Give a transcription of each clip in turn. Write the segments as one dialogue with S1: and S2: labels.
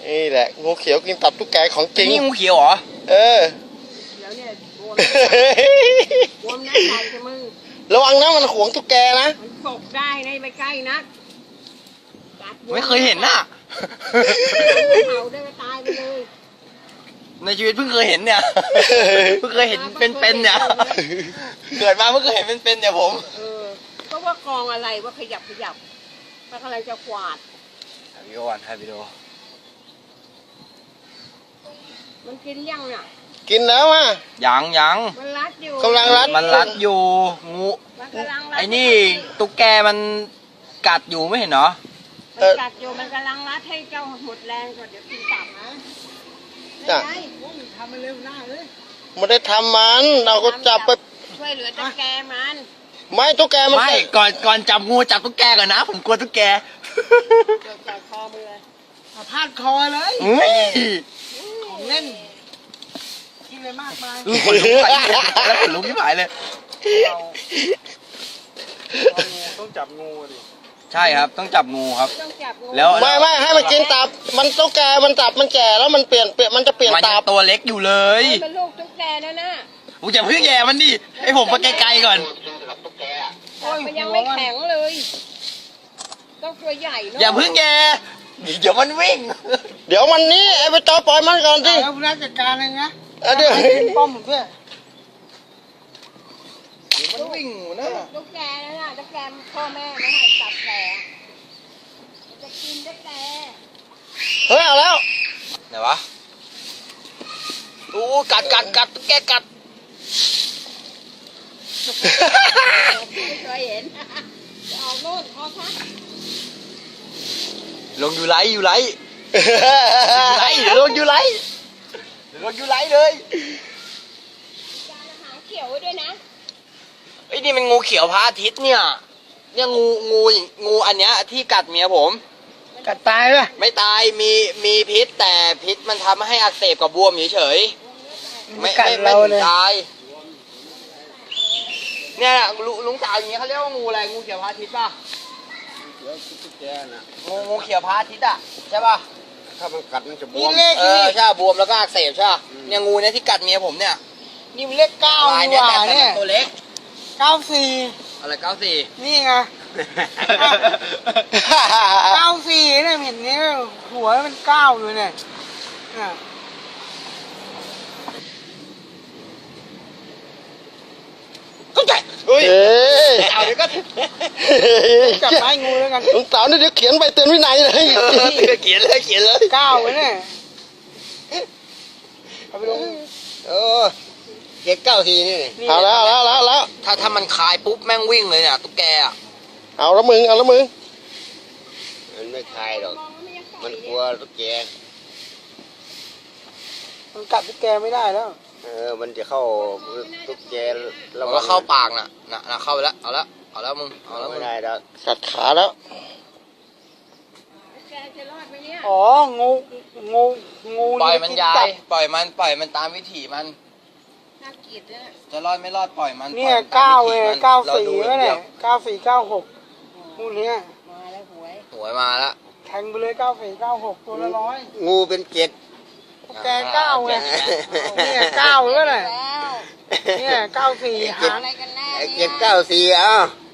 S1: นี่แหละงูเขียวกินตับตุ๊กแกของจริง
S2: นี่งูเขียวเหรอ
S1: เออ
S3: เดี๋ยวเนี่ยบวมนะใส่จะมึง
S1: ระวังนะมันขวงตุ๊กแกนะ
S3: มันตกได้ในไปใกล้นะ
S2: ไม่เคยเห็นน่ะ
S3: เผาได้ก็ตายไปเลย
S2: ในชีวิตเพิ่งเคยเห็นเนี่ยเพิ่งเคยเห็นเป็นเนี่ยเกิดมาเพิ่งเคยเห็นเป็นเนี่ยผม
S3: ก็ว่ากองอะไรว่าขยับมันกำลังจะกวาด
S2: ถ่ายวิดีโอก่อนถ่ายวิดีโอ
S3: มันกินยังน่ะ
S1: กินแล้วอ่ะ
S2: ยัง
S3: มันรัดอยู่
S1: กำลังรัด
S2: มันรัดอยู่งูไอ้นี่ตุ๊กแกมันกัดอยู่ไม่เห็นเหรอ
S3: มันกัดอยู่มันกำลังรัดให้เจ้าหมดแรงก่อนเดี๋ยวกินตับนะ
S1: จ้ะ
S3: ทำมันเร็วหน้าเลย
S1: ไม่ได้ทำมันเราก็จับไป
S3: ช่วยเหลือตุ๊กแกมัน
S1: ไม่ตุ๊กแกมัน
S2: ไม่ก่อนจับงูจับตุ๊กแกก่อนนะผมกลัวตุ๊กแก
S3: จับคอมือเลย
S4: พาดคอเลยของเล่นกินเลยมากมาย
S2: แล้วขนลุกที่หายเลย
S4: ต้องจับงูดิ
S2: ใช่ครับต้องจับงูครับ
S1: แล้วไม่ให้มันกินตับมันตุ๊กแกมันตับมันแก่แล้วมันเปลี่ยนมันจะเปลี่ยนตับ
S2: ตัวเล็กอยู่เลย
S3: เป็นลูกตุ๊กแกนะน่ะ
S2: กูจะพึ่งแย่มันดิให้ผมไปไกลๆก่อน
S3: มันยังไม่แข็งเลยต้องตัวใหญ่เนาะ
S2: อย่าพึ่งแย่เดี๋ยวมันวิ่ง
S1: เดี๋ยวมันนี้ไอ้ไปต่อปล่อยมันก่อนสิ
S4: แล้วผู้จัดการเลยนะ
S1: เดี๋ยว
S4: ป้อมด้วย
S2: มันวิ่งนะ
S3: ตุ๊กแกนะน่ะตุ๊กแกพ่อแม่ไม่ให้จับแกจะกินตุ๊กแก
S1: เฮ้ยเอาแล้ว
S2: ไหนวะอู้กัดตุ๊กแกกัด
S3: ไม่เคยเห็นออกโน่นออกครับ
S2: ลงอยู่ไรลงอยู่ไรเลย
S3: หางเขียวด้วยนะ
S2: ไอ้นี่มันงูเขียวพระอาทิตย์เนี่ยงูอันเนี้ยที่กัดเมียผม
S4: กัดตายป่ะ
S2: ไม่ตายมีพิษแต่พิษมันทำให้อักเสบกับบวมเฉยๆไม่ถึงตายเนี่ยลุงสาวอย่างเงี้ยเขาเรียกว่างูอะไรงูเขียวพระอาทิตย์ป่ะงูเขียวพระอาทิตย์อ่ะใช่ป่ะ
S1: ถ้ามันกัดมันจะบวม
S2: ใช่บวมแล้วก็อักเสบใช่เนี่ยงูเนี่ยที่กัดเมียผมเนี่ย
S4: นี่มันเลข9นี่หว่าเนี่ย
S2: ตัวเล็ก
S4: 94
S2: อะไร94
S4: นี่ไง94เนี่ยเห็นนี้หัวมัน9อยู่เนี่ย
S2: ก็ใหญ่เอาเดี๋ยวก็
S4: จับไม้งูแล้วกัน
S1: ลุงสาวนี่เดี๋ยวเขียนใบเตือนวินัยเลย
S2: เขียนเลย
S4: 9ไว้เนี่ยเอาไปลง
S2: เจ็ด94นี่
S1: เอาแล้ว
S2: ถ้ามันคายปุ๊บแม่งวิ่งเลยเนี่ยตุ๊กแกอ่ะ
S1: เอาแล้วมึง
S2: มันไม่คายหรอกมันกลัวตุ๊กแก
S4: มันกัดตุ๊กแกไม่ได้แล้ว
S2: มันจะเข้าตุ๊กแกแล้วก็เข้าปากน่ะเข้าไปแล้วเอาแล้วมึงไม่ได้แล้ว
S1: กัดขาแล้ว
S3: แกจะรอดไหมเนี่ย
S4: อ๋องู
S2: ปล่อยมันย้ายปล่อยมันตามวิถีมัน
S3: น่าเกลียดเลย
S2: จะรอดไม่รอดปล่อยมัน
S4: เนี่ย9เลย94แล้วเนี่ย94 96งูเนี้ย
S3: มาแล้วหวย
S2: มาแล้ว
S4: แทงไปเลย94 96ตัวละ100
S2: งูเป็น7
S4: แก9ไงเนี่ย9แล้วเนี่ย94หาง
S3: อะไรกันแน่
S2: 794เอา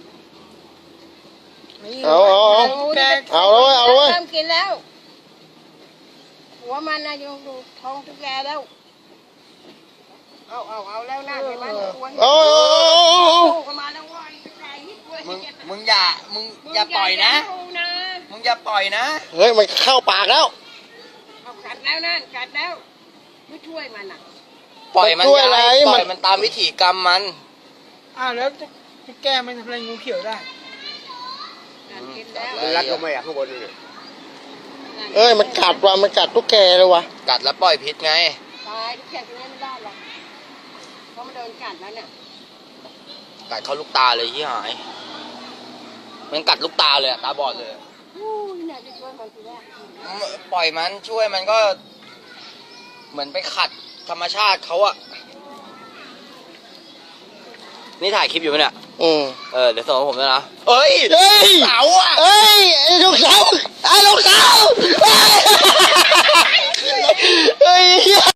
S1: เลย
S3: เริ่มกินแล้วหัวมันนะอยู่ท้องตุ๊กแกแล้วเอาแล้วนะเดี๋ยวมันควรมาแล้วว่า
S2: มึงอย่าปล่อยนะมึงอย่าปล่อยนะ
S1: เฮ้ยมันเข้าปากแล้ว
S3: กัดแล้วนั่นกัดแล้วไม่ช่วยมันอ่ะ
S2: ปล่อยมันปล่อยมันตามวิถีกรรมมัน
S4: แล้วจะแก้มันทำอะไรงูเขียวได้
S2: มันรัดลงมาอย่างข้างบนนี่
S1: มันกัดว่ะมันกัดตุ๊กแกเลยวะ
S2: กัดแล้วปล่อยพิษไง
S3: ตายตุ๊กแกตัวนี้ไม่ได้หรอกเพราะมันโดนกัดแล้วเนี่ย
S2: กัดเข้าลูกตาเลยที่หายมันกัดลูกตาเลยตาบอดเลยปล่อยมันช่วยมันก็เหมือนไปขัดธรรมชาติเขาอะนี่ถ่ายคลิปอยู่ไหมเนี่ยเดี๋ยวส่งให้ผมด้วยนะเอ้ยเสาอะ
S1: ลูกเสาเฮ้ย